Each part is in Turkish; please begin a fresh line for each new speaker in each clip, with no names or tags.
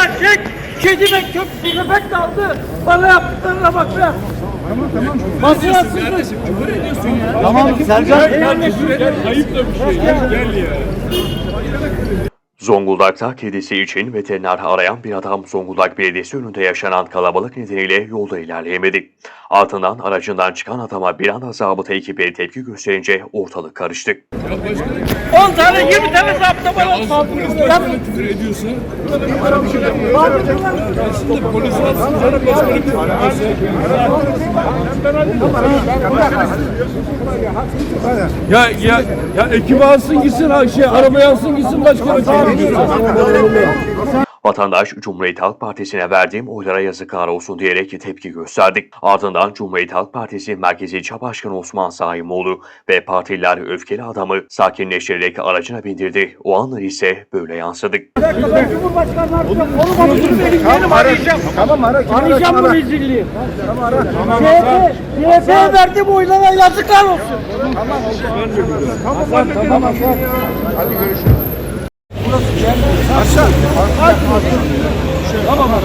gerçek. Kedime köpek kaldı. Bana yaptıklarına bak be. Tamam. Masrafsızlık.
Tamam Sercan.
Ayıp da bir şey. Gel ya.
Zonguldak'ta kedisi için veteriner arayan bir adam Zonguldak Belediyesi önünde yaşanan kalabalık nedeniyle yolda ilerleyemedi. Ardından aracından çıkan adama bir anda zabıta ekipleri tepki gösterince ortalık karıştı.
Ya başkanım
10 tane 20 tane zapta bana saldırıyor.
başkanım küfür ediyorsa aslında polis alsın canım başkanım küfür ya ekibi alsın gitsin arabaya alsın gitsin başkanım.
Vatandaş Cumhuriyet Halk Partisi'ne verdiğim oylara yazıklar olsun diyerek tepki gösterdi. Ardından Cumhuriyet Halk Partisi Merkezi İlçe Başkanı Osman Saimoğlu ve partililer öfkeli adamı sakinleştirerek aracına bindirdi. O anlar ise böyle yansıdı.
Cumhurbaşkanı artık onu benim arayacağım.
Tamam ara.
Arayacağım bu rezilliği.
Tamam ara.
CHP'ye verdiğim oylara yazıklar olsun.
Tamam. Hadi görüşürüz. Aşağı. Tamam.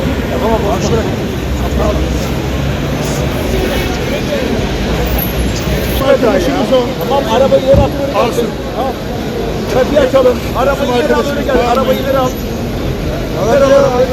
Tamam arabayı yere atıyoruz.
Alsın.
Trafiği açalım. Arabayı yere alıyoruz. Arabayı yere al.